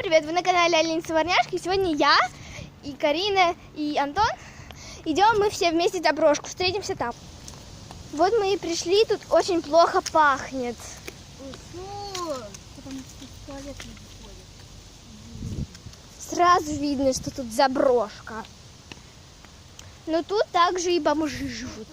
привет! Вы на канале Алина Саварняшки. Сегодня я и Карина и Антон идем мы все вместе в Доброшку. Встретимся там. Вот мы и пришли, тут очень плохо пахнет. Сразу видно, что тут заброшка. Но тут также и бомжи живут.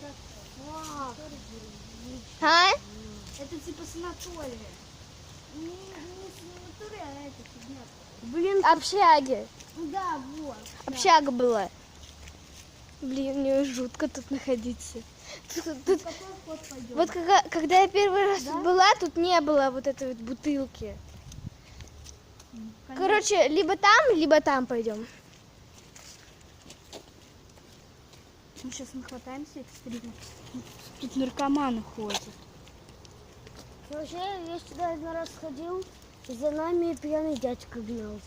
А? Это типа санатория. Не санатория, а это фигня. Блин, общаги. Да, вот. Общага была. Блин, мне жутко тут находиться. Тут... Вот когда я первый раз тут была, тут не было вот этой вот бутылки. Короче, либо там пойдем. Мы сейчас нахватаемся экстрима. Тут наркоманы ходят. Вообще, я сюда один раз сходил, и за нами пьяный дядька гнался.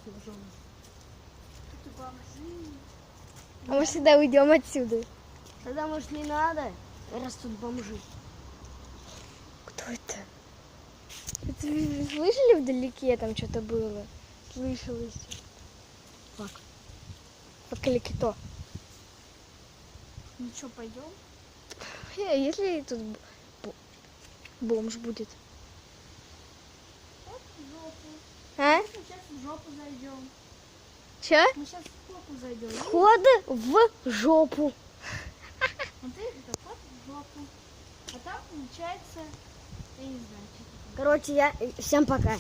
А мы всегда уйдем отсюда. Тогда, может, не надо, раз тут бомжи. Кто это? Это вы слышали вдалеке, там что-то было? Слышалось. Фак. Фак или кито? Ну что, пойдем? Если тут бомж будет. Вот в жопу. А? Мы сейчас в жопу зайдем. Че? Мы сейчас в жопу зайдем. Вход в жопу. Смотри, это вход в жопу. А там получается, я не знаю, что это. Короче, всем пока.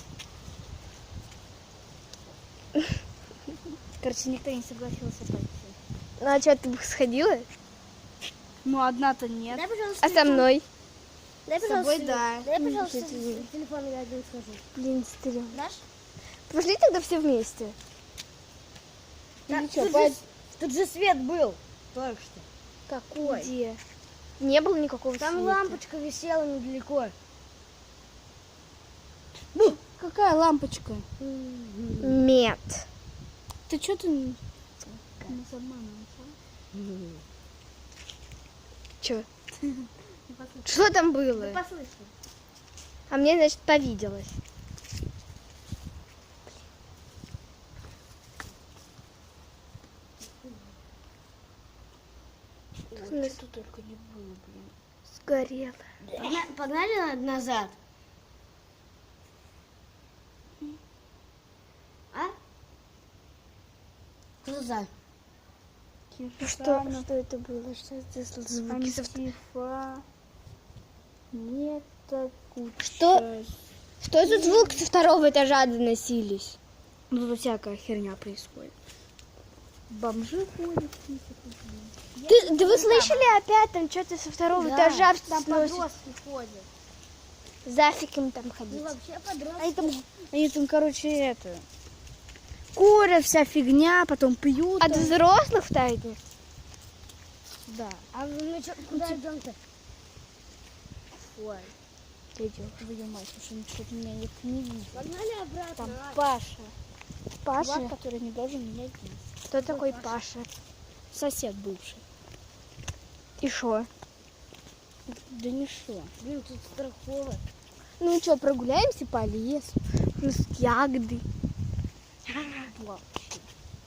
Короче, никто не согласился пойти. Ну а что, ты бы сходила? Ну, одна-то нет. Дай, пожалуйста, А со мной? Дай, С собой, пожалуйста, да. Дай, пожалуйста, Извини. телефон, я один схожу. Блин, стрёмно. Дашь? Пошли тогда все вместе. Да, Или чё, тут же свет был. Только что. Какой? Где? Не было никакого Там света. лампочка висела недалеко. Какая лампочка? Нет. Ты что ты нас обманываешь? Чё? Что там было? Послышал. А мне, значит, повиделось. Что только не было, блин. Сгорело. Погнали назад. А? Что за? Что это было? Что это за звуки? Антифа. Нет, Что за звук со второго этажа доносились? Ну, тут всякая херня происходит. Бомжи ходят. Да вы слышали опять там что-то со второго этажа Там сносит? подростки ходят. Зафиг им там Ну, ходить. вообще подростки. Они там, короче, это... Курят, вся фигня, потом пьют. От взрослых тайны? Да. А мы куда идем-то? Ой. Идем, твою мать, потому что что-то меня не видит. Погнали обратно. Там Паша. Паша? Чувак, который не должен меня видеть. Кто такой Паша? Сосед бывший. И шо? Да не шо. Блин, тут страхово. Ну что, прогуляемся по лесу? Ну, с ягоды. Вообще.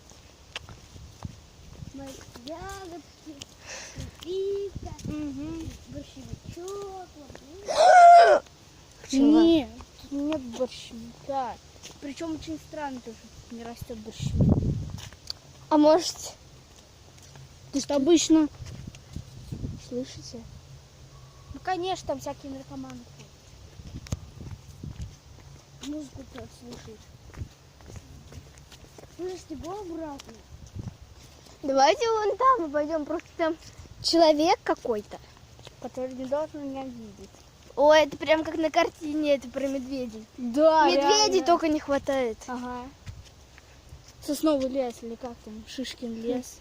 Ягодки, пицца, борщевичок. Нет, тут нет борщевика. Причем очень странно, тоже не растет борщевик. А может, Ты что обычно? слышите? Ну, конечно, там всякие наркоманы ходят. Музыку как слушать. Слышите, го обратно. Давайте вон там мы пойдем, просто там человек какой-то. Который не должен меня видеть. Ой, это прям как на картине, это про медведей. Да, Медведей только не хватает. Ага. Сосновый лес или как там, Шишкин лес.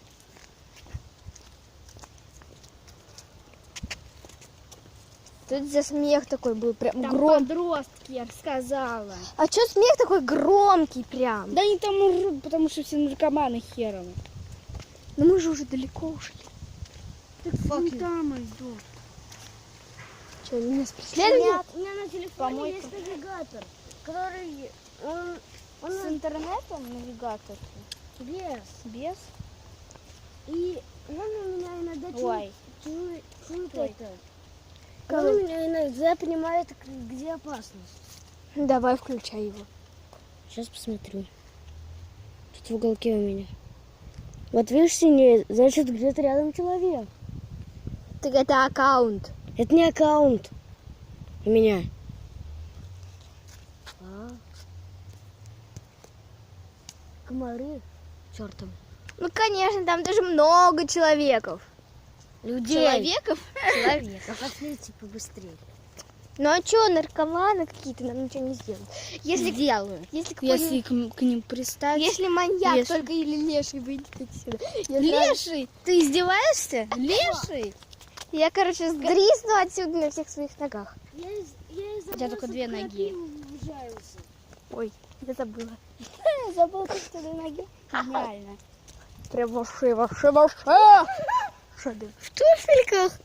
Тут за смех такой был, прям Там громкий. подростки, я сказала. А что смех такой громкий прям? Да они там урут, потому что все наркоманы хером. Ну мы же уже далеко ушли. Так вон там идут. Что, они нас преследуют? У меня на телефоне Помойка. есть навигатор, который он интернетом навигатор? Без. Без? И он у меня иногда Ой. чует Ой. это. Кого? Он у меня иногда понимает, где опасность. Давай, включай его. Сейчас посмотрю. Тут в уголке у меня. Вот видишь, синее, значит, где-то рядом человек. Так это аккаунт. Это не аккаунт у меня. Комары чертовы. Ну, конечно, там даже много человеков. Людей. Человеков? Человеков. Пошлите побыстрее. Ну а что, наркоманы какие-то нам ничего не сделают. Если Сделаю. Если, Если какой-нибудь- к ним пристать. если маньяк Леший. только или леший выйдет отсюда. Леший? Ты издеваешься? Леший? Я, короче, сдрисну отсюда на всех своих ногах. Я У тебя только 2 ноги. Ой, я забыла. Я забыла, что две ноги. Гениально. Прям вообще. Шады. В туфельках?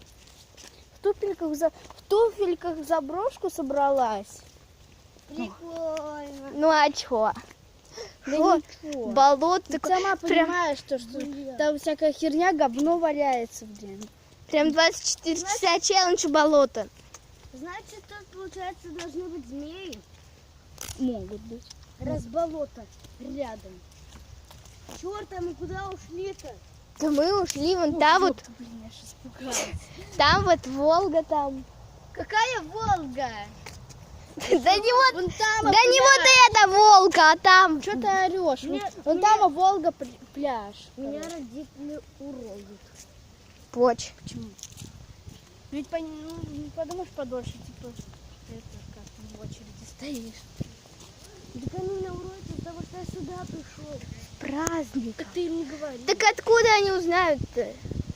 В туфельках заброшку собралась? Прикольно. Ну а чё? Да Шо? ничего. Болото Ты такое. сама понимаешь, что там всякая херня, говно валяется, блин. Прям 24 часа челлендж у болота. Значит, тут, получается, должны быть змеи. Могут быть. Раз болото рядом. Черт, а мы куда ушли-то? Да мы ушли вон там вот. Блин, я сейчас испугалась. Там вот Волга там. Какая Волга? Да не вот, Вон там, да не вот эта Волга, а там. Что ты орешь? Нет, Вон нет. там Волга пляж. Меня родители уроют. Поч. Почему? Ведь не подумаешь подольше, типа, это как в очереди стоишь. Так они меня уроют из-за того, что я сюда пришел. Праздник. Так ты им не говори. Так откуда они узнают-то?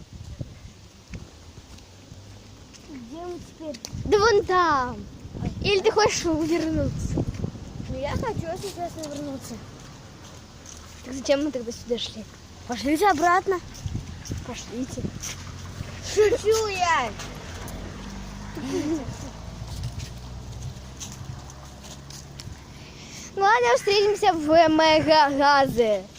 Где мы теперь? Да вон там. Или ты хочешь вернуться? Ну, я хочу сейчас вернуться. Так зачем мы тогда сюда шли? Пошлите обратно. Пошлите. Шучу я. Ну ладно, встретимся в Мегагазе.